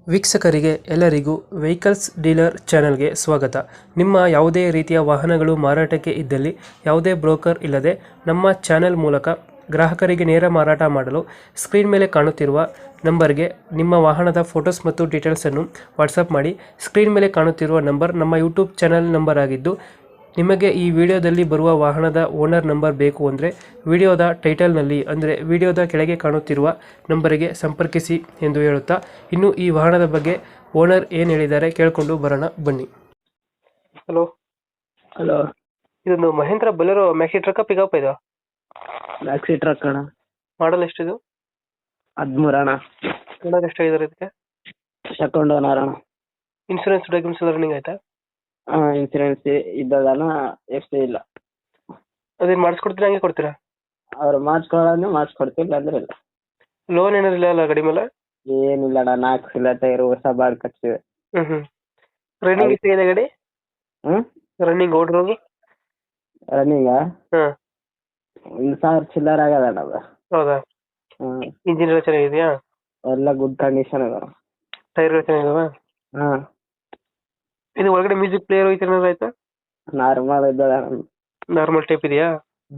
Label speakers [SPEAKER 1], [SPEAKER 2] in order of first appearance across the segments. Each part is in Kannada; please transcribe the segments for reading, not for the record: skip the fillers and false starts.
[SPEAKER 1] ವೀಕ್ಷಕರಿಗೆ ಎಲ್ಲರಿಗೂ ವೆಹಿಕಲ್ಸ್ ಡೀಲರ್ ಚಾನೆಲ್ಗೆ ಸ್ವಾಗತ. ನಿಮ್ಮ ಯಾವುದೇ ರೀತಿಯ ವಾಹನಗಳು ಮಾರಾಟಕ್ಕೆ ಇದ್ದಲ್ಲಿ ಯಾವುದೇ ಬ್ರೋಕರ್ ಇಲ್ಲದೆ ನಮ್ಮ ಚಾನೆಲ್ ಮೂಲಕ ಗ್ರಾಹಕರಿಗೆ ನೇರ ಮಾರಾಟ ಮಾಡಲು ಸ್ಕ್ರೀನ್ ಮೇಲೆ ಕಾಣುತ್ತಿರುವ ನಂಬರ್ಗೆ ನಿಮ್ಮ ವಾಹನದ ಫೋಟೋಸ್ ಮತ್ತು ಡೀಟೇಲ್ಸನ್ನು ವಾಟ್ಸಪ್ ಮಾಡಿ. ಸ್ಕ್ರೀನ್ ಮೇಲೆ ಕಾಣುತ್ತಿರುವ ನಂಬರ್ ನಮ್ಮ ಯೂಟ್ಯೂಬ್ ಚಾನೆಲ್ ನಂಬರ್ ಆಗಿದ್ದು, ನಿಮಗೆ ಈ ವಿಡಿಯೋದಲ್ಲಿ ಬರುವ ವಾಹನದ ಓನರ್ ನಂಬರ್ ಬೇಕು ಅಂದರೆ ವಿಡಿಯೋದ ಟೈಟಲ್ನಲ್ಲಿ ಅಂದರೆ ವಿಡಿಯೋದ ಕೆಳಗೆ ಕಾಣುತ್ತಿರುವ ನಂಬರಿಗೆ ಸಂಪರ್ಕಿಸಿ ಎಂದು ಹೇಳುತ್ತಾ, ಇನ್ನು ಈ ವಾಹನದ ಬಗ್ಗೆ ಓನರ್ ಏನು ಹೇಳಿದ್ದಾರೆ ಕೇಳಿಕೊಂಡು ಬರೋಣ ಬನ್ನಿ. ಹಲೋ
[SPEAKER 2] ಹಲೋ,
[SPEAKER 1] ಇದೊಂದು Mahindra Bolero maxi truck pickup ಇದು
[SPEAKER 2] ಮ್ಯಾಕ್ಸಿ ಟ್ರಕ್ ಅಣ್ಣ.
[SPEAKER 1] ಮಾಡಲ್ ಎಷ್ಟಿದು?
[SPEAKER 2] 13 ಅಣ್ಣ.
[SPEAKER 1] ಓನರ್ ಎಷ್ಟಾಗಿದ್ದಾರೆ ಇದಕ್ಕೆ?
[SPEAKER 2] ಸೆಕೆಂಡ್ ಓನರ್ ಅಣ್ಣ.
[SPEAKER 1] ಇನ್ಸೂರೆನ್ಸ್ ಡಾಕ್ಯುಮೆಂಟ್ಸ್ ಎಲ್ಲ ರನ್ನಿಂಗ್ ಆಯ್ತಾ?
[SPEAKER 2] ಇನ್ಸೂರೆನ್ಸ್ ಇದ್ದದಣ್ಣ, ಎಷ್ಟು ಇಲ್ಲ.
[SPEAKER 1] ಅದೇನು ಮಾಡಿಸ್ಕೊಡ್ತೀರಾ ಹಂಗೆ ಕೊಡ್ತೀರಾ?
[SPEAKER 2] ಅವ್ರು ಮಾಡಿಸ್ಕೊಡ್ತೀವಿ, ಅಂದ್ರೆ ಇಲ್ಲ.
[SPEAKER 1] ಲೋನ್ ಏನಾರು ಇಲ್ಲ ಅಲ್ಲ ಗಾಡಿ ಮೇಲೆ?
[SPEAKER 2] ಏನಿಲ್ಲ ಅಣ್ಣ, 4 ಸಿಲ ಟೈರು ಹೊಸ ಬಾಡ್ ಕಟ್ಸಿವೆ.
[SPEAKER 1] ರನ್ನಿಂಗ್ ಎಷ್ಟಿದೆ ಗಾಡಿ? ರನ್ನಿಂಗ್ ಓಡಿರೋದು
[SPEAKER 2] ರನ್ನಿಂಗ
[SPEAKER 1] ಹಾಂ
[SPEAKER 2] 1,000 ಚಿಲ್ಲರ್ ಆಗದಣ್ಣ ಅದು.
[SPEAKER 1] ಹೌದಾ? ಇಂಜಿನ್ ಎಲ್ಲ ಚೆನ್ನಾಗಿದೆಯಾ?
[SPEAKER 2] ಎಲ್ಲ ಗುಡ್ ಕಂಡೀಷನ್ ಅದ.
[SPEAKER 1] ಟೈರ್ ಚೆನ್ನಾಗಿದಾವ?
[SPEAKER 2] ಹಾಂ.
[SPEAKER 1] ಇದು ಒಳಗಡೆ ಮ್ಯೂಸಿಕ್ ಪ್ಲೇಯರ್ ಐತೆ ಏನಾದ್ರು ಆಯ್ತಾ?
[SPEAKER 2] ನಾರ್ಮಲ್ ಇದ್ದದ.
[SPEAKER 1] ನಾರ್ಮಲ್ ಟೈಪ್ ಇದೆಯಾ?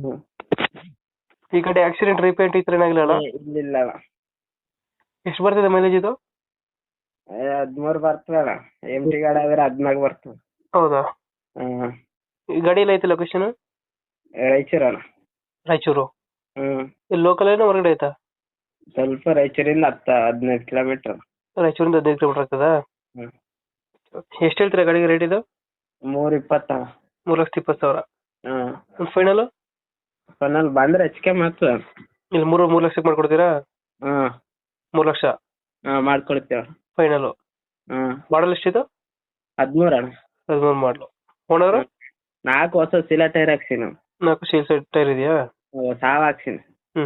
[SPEAKER 1] ಈ ಕಡೆ ಆಕ್ಸಿಡೆಂಟ್ ರಿಪೇಂಟ್ ಈ ಥರ ಏನಾಗಿಲ್ಲ?
[SPEAKER 2] ಇಲ್ಲ ಅಣ್ಣ.
[SPEAKER 1] ಎಷ್ಟು ಬರ್ತದೆ ಮೈಲೇಜ್ ಇದು?
[SPEAKER 2] 13 ಬರ್ತದೆ ಅಣ್ಣ. MT ಗಾಡಿ ಆದ್ರೆ 14 ಬರ್ತದೆ.
[SPEAKER 1] ಹೌದಾ? ಈ ಗಾಡಿ ಎಲ್ಲ ಐತೆ ಲೊಕೇಶನ್?
[SPEAKER 2] ರಾಯಚೂರು ಅಣ್ಣ.
[SPEAKER 1] ರಾಯಚೂರು? ಇಲ್ಲಿ ಲೋಕಲ್ ಏನೋ ಹೊರಗಡೆ ಆಯ್ತಾ?
[SPEAKER 2] ಸ್ವಲ್ಪ ರಾಯಚೂರಿಂದ 10-15 ಕಿಲೋಮೀಟರ್.
[SPEAKER 1] ರಾಯಚೂರಿಂದ 15 ಕಿಲೋಮೀಟರ್ ಆಗ್ತದಾ? ಎಷ್ಟು ಹೇಳ್ತೀರಾ ಗಾಡಿಗೆ ರೇಟ್ ಇದು?
[SPEAKER 2] 320 ಅಣ್ಣ.
[SPEAKER 1] 3,20,000. ಒಂದು ಫೈನಲ್
[SPEAKER 2] ಬಂದ್ರೆ ಹೆಚ್ಚಿಗೆ ಮಾತ್ರ.
[SPEAKER 1] ಇಲ್ಲಿ 3 ಲಕ್ಷಕ್ಕೆ ಮಾಡ್ಕೊಡ್ತೀರಾ? 3 ಲಕ್ಷ
[SPEAKER 2] ಮಾಡ್ಕೊಡ್ತೇವ
[SPEAKER 1] ಫೈನಲ್. ಮಾಡಲ್ ಎಷ್ಟಿದು?
[SPEAKER 2] 13 ಅಣ್ಣ.
[SPEAKER 1] 13 ಮಾಡಲು. ಓನರ್?
[SPEAKER 2] 4 ಹೊಸ ಸಿಲ ಟೈರ್ ಹಾಕ್ಸಿನಿ.
[SPEAKER 1] 4 ಸೀಲ್ ಟೈರ್ ಇದೆಯಾ?
[SPEAKER 2] ಸಾವ್ ಹಾಕ್ಸಿನಿ.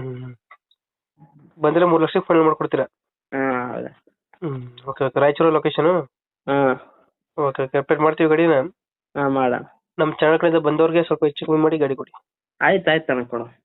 [SPEAKER 1] ಬಂದ್ರೆ 3 ಲಕ್ಷಕ್ಕೆ ಫೈನಲ್ ಮಾಡ್ಕೊಡ್ತೀರಾ?
[SPEAKER 2] ಹೌದಾ.
[SPEAKER 1] Okay okay. Raichur location? Okay okay. Update ಮಾಡ್ತೀವಿ ಗಾಡಿನ.
[SPEAKER 2] ಮಾಡೋಣ.
[SPEAKER 1] ನಮ್ಮ ಚಾನಲ್ ಕಡೆಯಿಂದ ಬಂದವ್ರಿಗೆ ಸ್ವಲ್ಪ ಹೆಚ್ಚು ಕಮ್ಮಿ ಮಾಡಿ ಗಾಡಿ ಕೊಡಿ.
[SPEAKER 2] ಆಯ್ತು ಅಣ್ಣ, ಕೊಡು.